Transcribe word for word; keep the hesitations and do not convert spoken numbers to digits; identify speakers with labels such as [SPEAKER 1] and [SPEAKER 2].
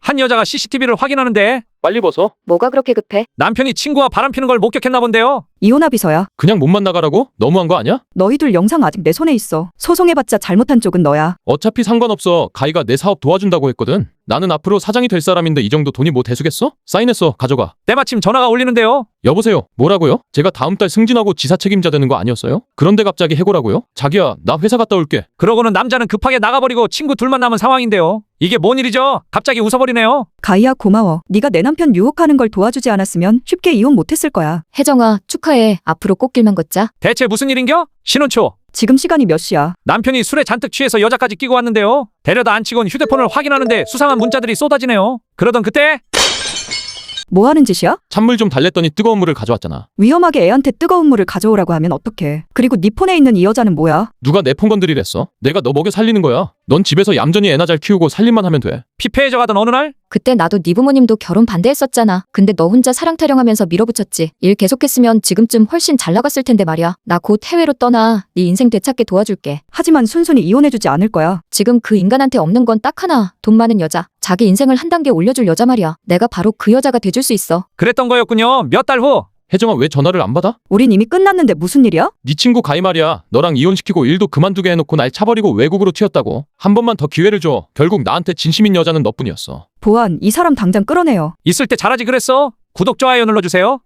[SPEAKER 1] 한 여자가 씨씨티비를 확인하는데
[SPEAKER 2] 빨리 벗어.
[SPEAKER 3] 뭐가 그렇게 급해?
[SPEAKER 1] 남편이 친구와 바람 피는 걸 목격했나 본데요.
[SPEAKER 4] 이혼아 비서야.
[SPEAKER 2] 그냥 몸만 나가라고? 너무한 거 아니야?
[SPEAKER 4] 너희들 영상 아직 내 손에 있어. 소송해봤자 잘못한 쪽은 너야.
[SPEAKER 2] 어차피 상관없어. 가희가 내 사업 도와준다고 했거든. 나는 앞으로 사장이 될 사람인데 이 정도 돈이 뭐 대수겠어? 사인했어. 가져가.
[SPEAKER 1] 때마침 전화가 울리는데요.
[SPEAKER 2] 여보세요. 뭐라고요? 제가 다음 달 승진하고 지사 책임자 되는 거 아니었어요? 그런데 갑자기 해고라고요? 자기야, 나 회사 갔다 올게.
[SPEAKER 1] 그러고는 남자는 급하게 나가버리고 친구 둘만 남은 상황인데요. 이게 뭔 일이죠? 갑자기 웃어버리네요.
[SPEAKER 4] 가희야 고마워. 네가 내 남편 유혹하는 걸 도와주지 않았으면 쉽게 이혼 못했을 거야.
[SPEAKER 3] 혜정아, 축하해. 앞으로 꽃길만 걷자.
[SPEAKER 1] 대체 무슨 일인겨? 신혼초.
[SPEAKER 4] 지금 시간이 몇 시야?
[SPEAKER 1] 남편이 술에 잔뜩 취해서 여자까지 끼고 왔는데요. 데려다 앉히곤 휴대폰을 확인하는데 수상한 문자들이 쏟아지네요. 그러던 그때
[SPEAKER 4] 뭐 하는 짓이야?
[SPEAKER 2] 찬물 좀 달랬더니 뜨거운 물을 가져왔잖아.
[SPEAKER 4] 위험하게 애한테 뜨거운 물을 가져오라고 하면 어떡해. 그리고 네 폰에 있는 이 여자는 뭐야?
[SPEAKER 2] 누가 내 폰 건드리랬어? 내가 너 먹여 살리는 거야. 넌 집에서 얌전히 애나 잘 키우고 살림만 하면 돼.
[SPEAKER 1] 피폐해져 가던 어느 날
[SPEAKER 3] 그때 나도 네 부모님도 결혼 반대했었잖아. 근데 너 혼자 사랑 타령하면서 밀어붙였지. 일 계속했으면 지금쯤 훨씬 잘 나갔을 텐데 말이야. 나 곧 해외로 떠나. 네 인생 되찾게 도와줄게.
[SPEAKER 4] 하지만 순순히 이혼해주지 않을 거야.
[SPEAKER 3] 지금 그 인간한테 없는 건 딱 하나. 돈 많은 여자. 자기 인생을 한 단계 올려줄 여자 말이야. 내가 바로 그 여자가 돼줄 수 있어.
[SPEAKER 1] 그랬던 거였군요. 몇 달 후
[SPEAKER 2] 혜정아, 왜 전화를 안 받아?
[SPEAKER 4] 우린 이미 끝났는데 무슨 일이야?
[SPEAKER 2] 네 친구 가희 말이야. 너랑 이혼시키고 일도 그만두게 해놓고 날 차버리고 외국으로 튀었다고. 한 번만 더 기회를 줘. 결국 나한테 진심인 여자는 너뿐이었어.
[SPEAKER 4] 보안, 이 사람 당장 끌어내요.
[SPEAKER 1] 있을 때 잘하지 그랬어. 구독 좋아요 눌러주세요.